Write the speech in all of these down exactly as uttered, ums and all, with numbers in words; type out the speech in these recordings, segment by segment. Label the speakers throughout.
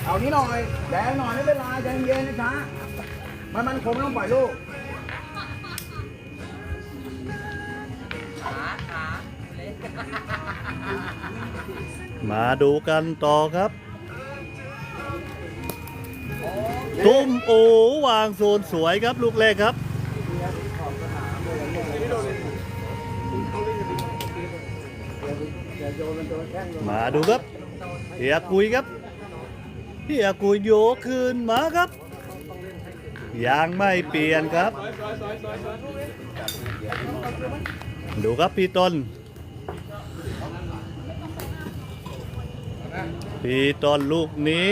Speaker 1: เอานี้หน่อยแดงหน่อยไม่เป็นไรใจเย็นนะจ๊ะมันมันคงต้องปล่อยลูก
Speaker 2: มาดูกันต่อครับตุ้มโอวางโซนสวยครับลูกแรกครับมาดูครับเฮียกุยครับเฮียกุยโยกคืนมาครับยังไม่เปลี่ยนครับดูครับพี่ต้นพี่ต้นลูกนี้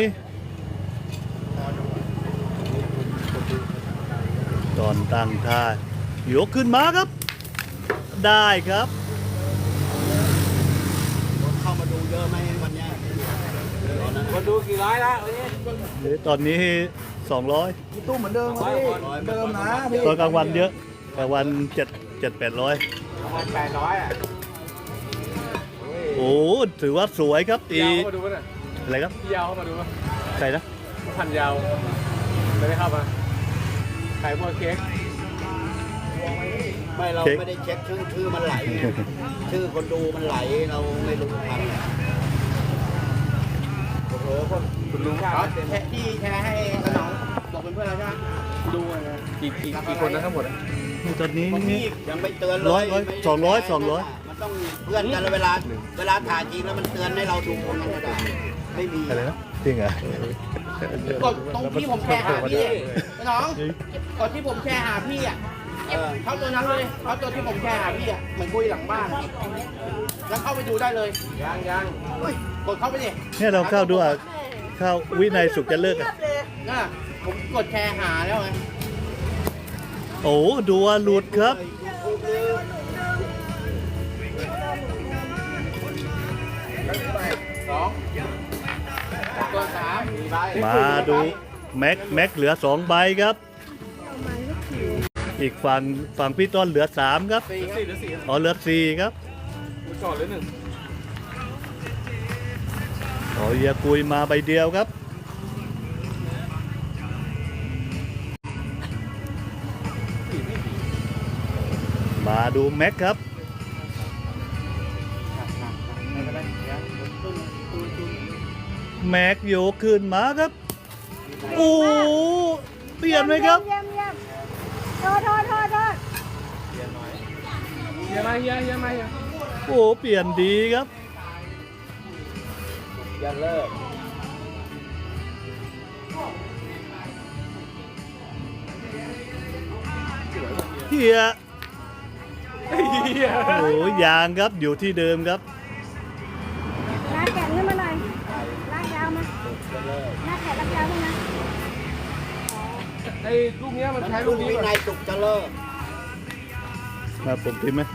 Speaker 2: ตอนตั้งท่ายกขึ้นมาครับได้ครับ
Speaker 1: เข้ามาดูเยอะไหมวันนี้คนดูกี่ร้อยละวันนี้
Speaker 2: ตอนนี้สองร้อย
Speaker 1: พี่ตู้เหมือนเดิมพี่เดิมนะพี่
Speaker 2: ตอนกลางวันเยอะกลางวันเจ็ดเจ็ดแปดร้อย
Speaker 1: ประมาณแปดร้อยอ่ะ
Speaker 2: โอ้ถือว่าสวยครับตี
Speaker 3: ยาวเข้ามาดูป่ะเนี่ย
Speaker 2: อะไรครับ
Speaker 3: พี่ยาวเข้ามาดูป่ะ
Speaker 2: ใครนะ
Speaker 3: พันยาวไม่ได้เข้ามาขายพวกเค้ก
Speaker 1: ไม่เราไม่ได้เช็คชื่อชื่อมันไหลชื่อคนดูมันไหลเราไม่รู้ทันโอ้โหคนคุณลุงครับแชร์ที่แชร์ให้น้องบอกเป็นเพื่อนเราใช่ไหม
Speaker 3: ดูนะกี่กี่กี่คนนะทั้งหมดอ่ะ
Speaker 2: ตอนนี้
Speaker 1: ยังไม่เตือนเลย
Speaker 2: ร้อยร้อยสองร้อยสองร้อย
Speaker 1: มันต้องเพื่อนกันเวลาเวลาถ่ายจริงแล้วมันเตือนให้เราดูคนธรรมดาไม่มี
Speaker 2: อะไรนะจริงเหรอก
Speaker 4: ดตรงที่ผมแชร์หาพี่น้องกดที่ผมแชร์หาพี่อ่ะเขาตัวนั้นเลยเขาตัวที่ผมแชร์หาพี่อ่ะเหมือนคุยหลังบ้านแล้วเข้าไปดูได้เลย
Speaker 3: ยังยัง
Speaker 4: กดเข้าไปดิ
Speaker 2: เนี่ยเราเข้าดูอ่ะเข้าวินัยสุขจะเลิกอ่ะ
Speaker 4: น่ะผมกดแชร์หาแล้วไง
Speaker 2: โอ้ดูว่าหลุดครับ
Speaker 4: สองตัวสาม
Speaker 2: มาดูแม็กแม็กเหลือสองใบครับอีกฝั่งฝั่งพี่ต้นเหลือสามครับ
Speaker 3: สี่หรือสี่
Speaker 2: อ๋อเหลือสี่ครับ
Speaker 3: ก่อนหรือหนึ่ง
Speaker 2: อ๋อเฮียกุยมาใบเดียวครับมาดูแม็กครับแม็กโยกขึ้นมาครับโอ้เปลี่ยนไหมครับ
Speaker 5: เยี่ยมเยี่ยมโทษโทษโทษโทษ
Speaker 3: เฮียมาเฮียเฮียมาเฮีย
Speaker 2: โอ้เปลี่ยนดีครับ
Speaker 1: อย่าเลิก
Speaker 2: เฮียโอ้ยางครับอยู่ที่เดิมครับ
Speaker 5: ลากแขนขึ้นมาหน่อยลากยาวมาลากแขนลากยาวขึ้นมา
Speaker 3: ไอ้ลูกเนี้ยมันใช้ลูกนี้
Speaker 1: วินัยสุขจะเลิก
Speaker 2: มาผมพิมพ์ไหม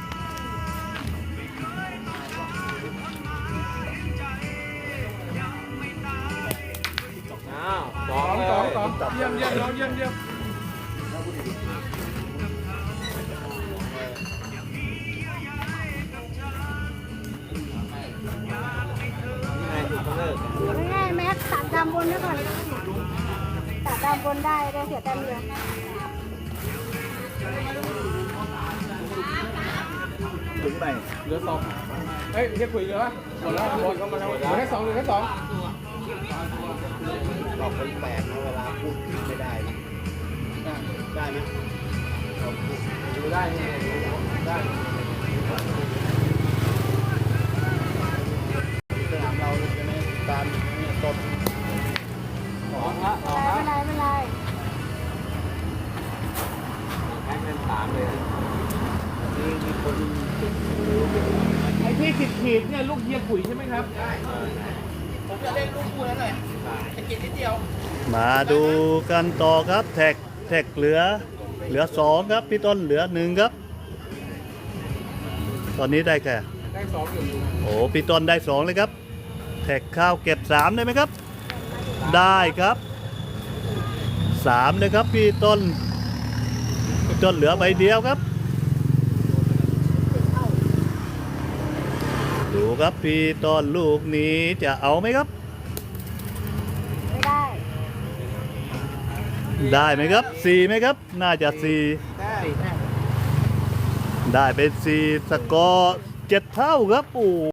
Speaker 3: อ้าวสองสองสองเยี่ยมเยี่ยมน้องเยี่ยมเยี่ยม
Speaker 5: ง่ายๆแม็กตัดดำบนไว้ก่อนตัดดำบนได้ได้เสียแต้มเดียว
Speaker 1: ถึงไป
Speaker 3: เหลือสองเฮ้ยเฮียคุยเหลือหมดแล้วหมดก็มาแล้วเหลือแค่สองเหลือแค่สอง
Speaker 1: เราเป็นแปลกนะเวลาพูดไม่ได้ได้ไหม
Speaker 3: ดูได้ได้
Speaker 1: สนามเราจะไม่การเนี่ยต้น
Speaker 3: สองละสองละ
Speaker 5: ไม่เป็นไร
Speaker 3: แข่งเป็นสามเลย
Speaker 1: นี่มีคน
Speaker 3: ไอ้ที่ขีดขีดเนี่ยลูกเฮียขุยใช่ไหมครับใช่
Speaker 4: ผมจะเล่นลูกคู่นั้นหน่อยจะกินนิดเดียว
Speaker 2: มาดูกันต่อครับแท็กแท็กเหลือเหลือสองครับพี่ต้นเหลือหนึ่งครับตอนนี้ได้แค่
Speaker 3: ได้สองอยู่
Speaker 2: โอ้พี่ต้นได้สองเลยครับแท็กข้าวเก็บสามได้ไหมครับได้ครับสามเลยครับพี่ต้นพี่ต้นเหลือใบเดียวครับดูครับพี่ต้นลูกนี้จะเอาไหมครับ
Speaker 5: ไม่ได้
Speaker 2: ได้ไหมครับสี่ไหมครับ น่าจะสี่
Speaker 4: ได้
Speaker 2: ได้เป็นสี่สกอร์เจ็ดเท่าครับโอ้